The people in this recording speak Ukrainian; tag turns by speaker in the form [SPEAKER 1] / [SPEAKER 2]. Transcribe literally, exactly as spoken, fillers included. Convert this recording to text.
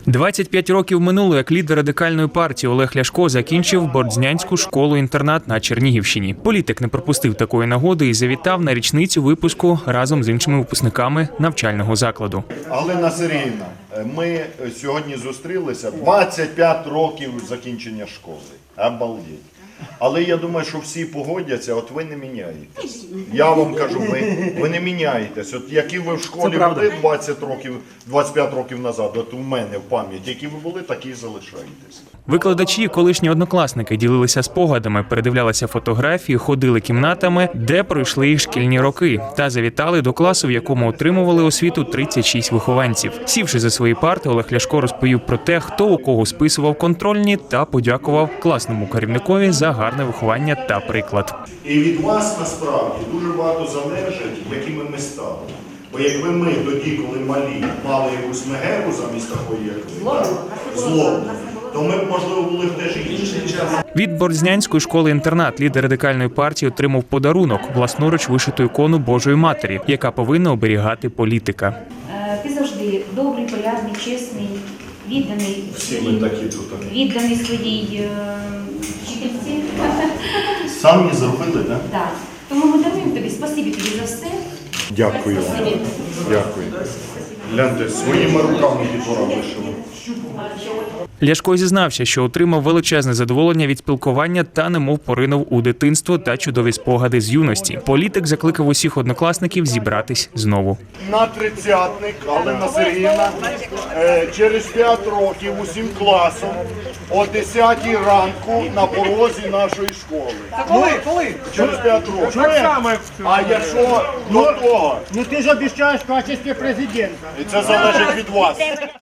[SPEAKER 1] двадцять п'ять років минуло, як лідер радикальної партії Олег Ляшко закінчив Бордзнянську школу-інтернат на Чернігівщині. Політик не пропустив такої нагоди і завітав на річницю випуску разом з іншими випускниками навчального закладу.
[SPEAKER 2] Галина Сергіївна, ми сьогодні зустрілися двадцять п'ять років закінчення школи. Обалдеть. Але я думаю, що всі погодяться, от ви не міняєтесь. Я вам кажу, ви, ви не міняєтесь. От які ви в школі були двадцять років, двадцять п'ять років назад, от у мене в пам'яті, які ви були, такі і залишаєтесь.
[SPEAKER 1] Викладачі, колишні однокласники, ділилися спогадами, передивлялися фотографії, ходили кімнатами, де пройшли їх шкільні роки, та завітали до класу, в якому отримували освіту тридцять шість вихованців. Сівши за свої парти, Олег Ляшко розповів про те, хто у кого списував контрольні, та подякував класному керівникові за гарне виховання та приклад.
[SPEAKER 2] І від вас, насправді, дуже багато залежить, якими ми стали. Бо якби ми тоді, коли малі, мали якусь мегеру замість такої, як ви, злобу, то ми б, можливо, були б теж інші.
[SPEAKER 1] Від Бордзнянської школи-інтернат лідер радикальної партії отримав подарунок – власноруч вишиту ікону Божої Матері, яка повинна оберігати політика.
[SPEAKER 3] Ти завжди добрий, порядний, чесний, відданий,
[SPEAKER 2] Всі ми такі тут.
[SPEAKER 3] відданий своїй е, вчительці.
[SPEAKER 2] Самі зробили, так?
[SPEAKER 3] Так. Тому ми даруємо тобі, спасибі тобі за все.
[SPEAKER 2] Дякую вам. Дякую. Гляньте, своїми руками дітвора вишили.
[SPEAKER 1] Ляшко зізнався, що отримав величезне задоволення від спілкування та немов поринув у дитинство та чудові спогади з юності. Політик закликав усіх однокласників зібратись знову.
[SPEAKER 2] На тридцятник, Галина Сергіївна, через п'ять років усім класом о десятій ранку на порозі нашої школи.
[SPEAKER 4] Коли? Коли?
[SPEAKER 2] Через п'ять років.
[SPEAKER 4] Так само, як
[SPEAKER 2] А якщо до того,
[SPEAKER 4] ну ти ж обіцяєш в качестві президента.
[SPEAKER 2] і це залежить від вас.